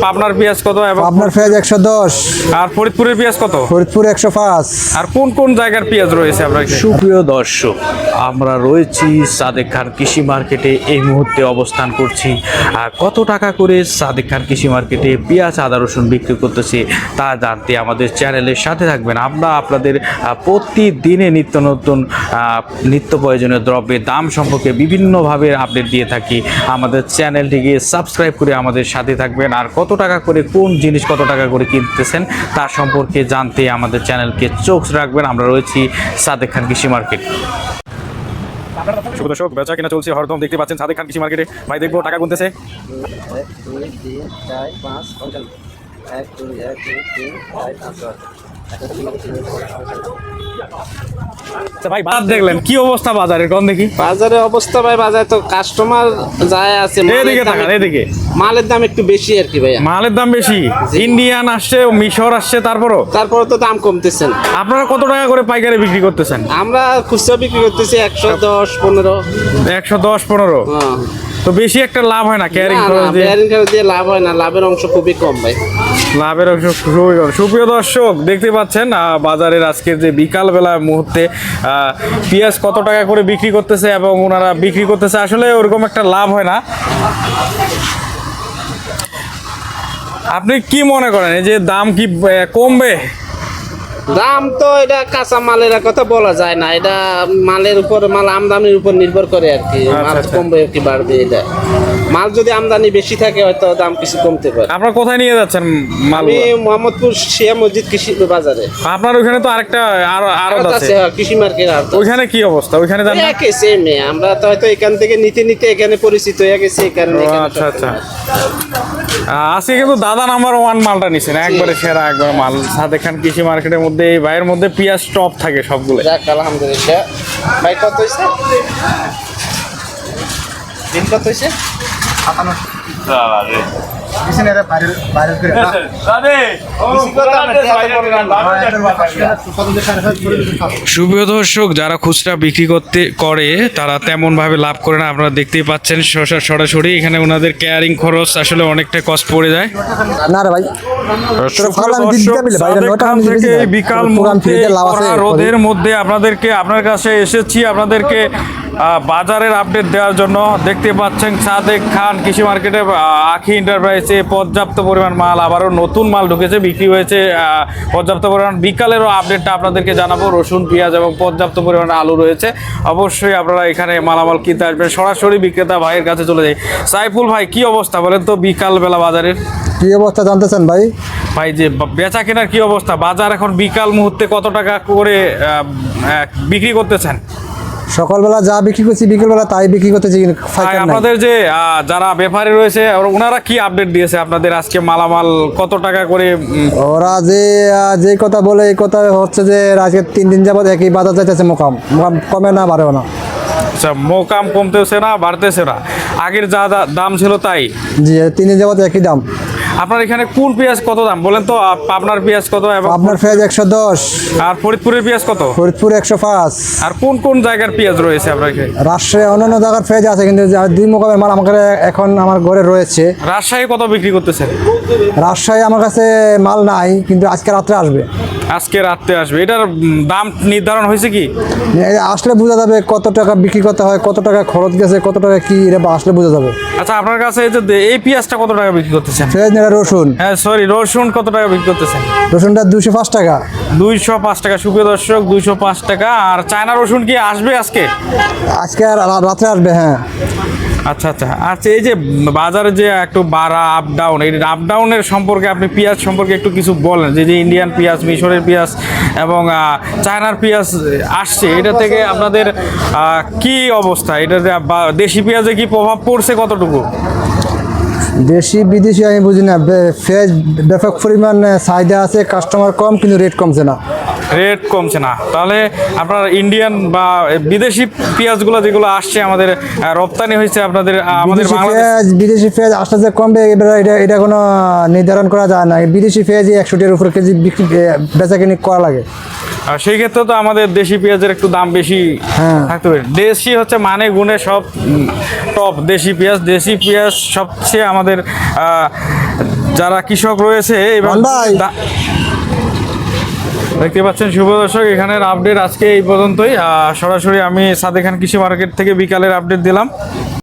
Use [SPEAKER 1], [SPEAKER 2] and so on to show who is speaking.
[SPEAKER 1] পাবনার পেঁয়াজ কত? এবং
[SPEAKER 2] আপনার পেঁয়াজ 110।
[SPEAKER 1] আর ফরিদপুরের পেঁয়াজ কত?
[SPEAKER 2] ফরিদপুর 105।
[SPEAKER 1] আর কোন কোন জায়গার পেঁয়াজ রয়েছে আপনার কাছে?
[SPEAKER 3] সুপ্রিয় দর্শক, আমরা রয়েছি সাদেক খান কৃষি মার্কেটে, এই মুহূর্তে অবস্থান করছি। আর কত টাকা করে সাদেক খান কৃষি মার্কেটে পেঁয়াজ আদা রসুন বিক্রি করতেছে তা জানতে আমাদের চ্যানেলের সাথে থাকবেন। আমরা আপনাদের প্রতিদিনে নিত্য নতুন নিত্য প্রয়োজনীয় দ্রব্যের দাম সম্পর্কে বিভিন্নভাবে আপডেট দিয়ে থাকি। আমাদের চ্যানেলটিকে সাবস্ক্রাইব করে আমাদের সাথে থাকবেন। আর কত টাকা করে কোন জিনিস কত টাকা করে কিনতেছেন তার সম্পর্কে জানতে আমাদের চ্যানেলকে চোখ রাখবেন। আমরা রয়েছি সাদেক খান কৃষি মার্কেট।
[SPEAKER 1] শুভ দর্শক, বেচা কিনা চলছে হরদম, দেখতে পাচ্ছেন সাদেক খান কৃষি মার্কেটে। ভাই দেখবো টাকা গুনতেছে।
[SPEAKER 4] 1 2 3 4 5 45 1 2 1 2 3 4 5
[SPEAKER 1] আচ্ছা ভাই, বাজার দেখলেন কি অবস্থা বাজারের? কোন দেখি
[SPEAKER 4] বাজারের অবস্থা ভাই, বাজারে তো কাস্টমার যায় আছে,
[SPEAKER 1] এদিকে তাকান, এদিকে।
[SPEAKER 4] মালের দাম একটু বেশি আর কি ভাইয়া।
[SPEAKER 1] মালের দাম বেশি, ইন্ডিয়ান আসছে, মিশর আসছে, তারপরও
[SPEAKER 4] তারপরে তো দাম কমতেছে না।
[SPEAKER 1] আপনারা কত টাকা করে পাইকারি বিক্রি করতেছেন?
[SPEAKER 4] আমরা খুচরা বিক্রি করতেছি 110 15।
[SPEAKER 1] 110-15। তো বেশি একটা লাভ হয় না ক্যারিং খরচ দিয়ে?
[SPEAKER 4] ক্যারিং খরচ দিয়ে লাভ হয় না, লাভের অংশ খুবই কম ভাই।
[SPEAKER 1] লাভের অংশ খুবই কম। সুপ্রিয় দর্শক, দেখতে পাচ্ছেন বাজারের আজকের যে বিকালবেলা মুহূর্তে পেঁয়াজ কত টাকা করে বিক্রি করতেছে এবং ওনারা বিক্রি করতেছে, আসলে ওরকম একটা লাভ হয় না। আপনি কি মনে করেন এই যে দাম কি কমবে?
[SPEAKER 4] দাম তো এটা কাঁচা মালের কথা বলা যায় না, এটা মালের উপর, মাল আমদানির উপর নির্ভর করে আর কি। মাল কমবে কি বাড়বে, এটা মাল যদি আমদানি বেশি থাকে হয়তো দাম কিছু কমতে পারে।
[SPEAKER 1] আপনারা কোথায় নিয়ে যাচ্ছেন মাল?
[SPEAKER 4] আমি মোহাম্মদপুর শিয়া মসজিদ কৃষি বাজারে।
[SPEAKER 1] আপনার ওখানে তো আরেকটা আড়ত আছে,
[SPEAKER 4] কৃষি মার্কেট। আর
[SPEAKER 1] ওইখানে কি অবস্থা? ওইখানে জানেন না?
[SPEAKER 4] একই সেম, আমরা তো হয়তো এখান থেকে নিতে নিতে এখানে পরিচিত হয়ে গেছে, এই কারণে এখানে
[SPEAKER 1] আচ্ছা আচ্ছা। আজকে কিন্তু দাদা নাম্বার 1 মালটা নিছেন, একবারে সেরা একবার মাল। সাদেক খান কৃষি মার্কেটের মধ্যে এই ভাইয়ের মধ্যে পেঁয়াজ টপ থাকে সবগুলো।
[SPEAKER 4] যাক আলহামদুলিল্লাহ। ভাই কত হয়েছে? দিন কত হয়েছে?
[SPEAKER 1] সুপ্রিয় দর্শক, যারা খুচরা বিক্রি করে তারা তেমন ভাবে লাভ করে না। আপনারা দেখতেই পাচ্ছেন সরাসরি এখানে ওনাদের ক্যারিং খরচ আসলে অনেকটা কষ্ট পড়ে যায়।
[SPEAKER 2] না রে ভাই,
[SPEAKER 1] বিকাল রোদের মধ্যে আপনার কাছে এসেছি আপনাদেরকে বাজারের আপডেট দেওয়ার জন্য। দেখতে পাচ্ছেন সাদেক খান কৃষি মার্কেটে আখি এন্টারপ্রাইজে পর্যাপ্ত পরিমাণ মাল, আবারও নতুন মাল ঢুকেছে, বিক্রি হয়েছে পর্যাপ্ত পরিমাণ। বিকালেরও আপডেটটা আপনাদেরকে জানাবো। রসুন, পেঁয়াজ এবং পর্যাপ্ত পরিমাণ আলু রয়েছে। অবশ্যই আপনারা এখানে মালামাল কিনতে আসবেন। সরাসরি বিক্রেতা ভাইয়ের কাছে চলে যাই। সাইফুল ভাই, কি অবস্থা বলেন তো বিকালবেলা বাজারের?
[SPEAKER 2] কি অবস্থা জানতেছেন ভাই?
[SPEAKER 1] ভাই যে বেচা কেনার কি অবস্থা? বাজার এখন বিকাল মুহূর্তে কত টাকা করে বিক্রি করতেছেন?
[SPEAKER 2] সকালবেলা যা বিক্রি করছি বিকেলবেলা তাই বিক্রি করতেছি।
[SPEAKER 1] আপনাদের যে যারা ব্যাপারী রয়েছে ওনারা কি আপডেট দিয়েছে আপনাদের আজকে মালামাল কত টাকা করে?
[SPEAKER 2] ওরা যে কথা বলে এই কথা হচ্ছে যে আজকে 3 দিন যাবত একই বাজার যাইতেছে, মোকাম কমে না বাড়েও না।
[SPEAKER 1] আচ্ছা, মোকাম কমতেছে না বাড়তেছে না, আগের যা দাম ছিল তাই?
[SPEAKER 2] জি, 3 দিন যাবত একই দাম।
[SPEAKER 1] আপনার এখানে কোন পেঁয়াজ কত দাম বলেন তো? আপনার পেঁয়াজ কত? এবং
[SPEAKER 2] আপনার পেঁয়াজ 110।
[SPEAKER 1] আর ফরিদপুরের পেঁয়াজ কত?
[SPEAKER 2] ফরিদপুর 105।
[SPEAKER 1] আর কোন কোন জায়গার পেঁয়াজ রয়েছে আপনার এখানে?
[SPEAKER 2] রাজশাহী অন্যান্য জায়গার পেঁয়াজ আছে, কিন্তু দুই মোকামের মাল আমাকে এখন আমার ঘরে রয়েছে।
[SPEAKER 1] রাজশাহী কত বিক্রি করতেছেন?
[SPEAKER 2] রাজশাহী আমার কাছে মাল নাই, কিন্তু আজকে রাত্রে আসবে।
[SPEAKER 1] আজকে রাত্রে আসবে। এটার দাম নির্ধারণ হয়েছে কি?
[SPEAKER 2] আসলে বোঝা যাবে কত টাকা বিক্রি করতে হয়, কত টাকা খরচ গেছে, কত টাকা কি, এটা আসলে বোঝা যাবে।
[SPEAKER 1] আচ্ছা, আপনার কাছে এই পেঁয়াজটা কত টাকা বিক্রি করতেছেন?
[SPEAKER 2] পেঁয়াজ না, রসুন।
[SPEAKER 1] হ্যাঁ সরি, রসুন কত টাকা বিক্রি করতেছেন?
[SPEAKER 2] রসুনটা 205 টাকা।
[SPEAKER 1] 205 টাকা। সুপ্রিয় দর্শক, 205 টাকা। আর চায়না রসুন কি আসবে আজকে?
[SPEAKER 2] আজকে রাত্রে আসবে, হ্যাঁ।
[SPEAKER 1] আচ্ছা আচ্ছা আচ্ছা। এই যে বাজারে যে একটু বাড়া আপ ডাউন, এই আপ ডাউনের সম্পর্কে আপনি পেঁয়াজ সম্পর্কে একটু কিছু বলেন। যে ইন্ডিয়ান পেঁয়াজ, মিশরের পেঁয়াজ এবং চায়নার পেঁয়াজ আসছে, এটা থেকে আপনাদের কি অবস্থা? এটাতে দেশি পেঁয়াজে কি প্রভাব পড়ছে কতটুকু?
[SPEAKER 2] দেশি বিদেশি আমি বুঝি না, পেঁয়াজ ব্যাপক পরিমাণ চাহিদা আছে, কাস্টমার কম, কিন্তু রেট কমছে না।
[SPEAKER 1] রেট কমছে না, তাহলে আপনার ইন্ডিয়ান বা বিদেশি পেঁয়াজগুলো যেগুলো আসছে আমাদের রপ্তানি হয়েছে আপনাদের আমাদের
[SPEAKER 2] বিদেশি পেঁয়াজ আসতে যে কমবে এবার এটা কোনো নির্ধারণ করা যায় না। বিদেশি পেঁয়াজই 100 টাকার উপরে কেজি বিক্রি বেচাকেনি করা লাগে।
[SPEAKER 1] আর সেই ক্ষেত্রে তো আমাদের দেশি পেঁয়াজের একটু দাম বেশি থাকতে পারে। দেশি হচ্ছে মানে গুণে সব টপ। দেশি পেঁয়াজ সবচেয়ে আমাদের যারা কৃষক রয়েছে এবার
[SPEAKER 2] রন ভাই।
[SPEAKER 1] দেখতে পাচ্ছেন শুভ দর্শক, এখানের আপডেট আজকে এই পর্যন্তই। সরাসরি আমি সাদেক খান কৃষি মার্কেট থেকে বিকালের আপডেট দিলাম।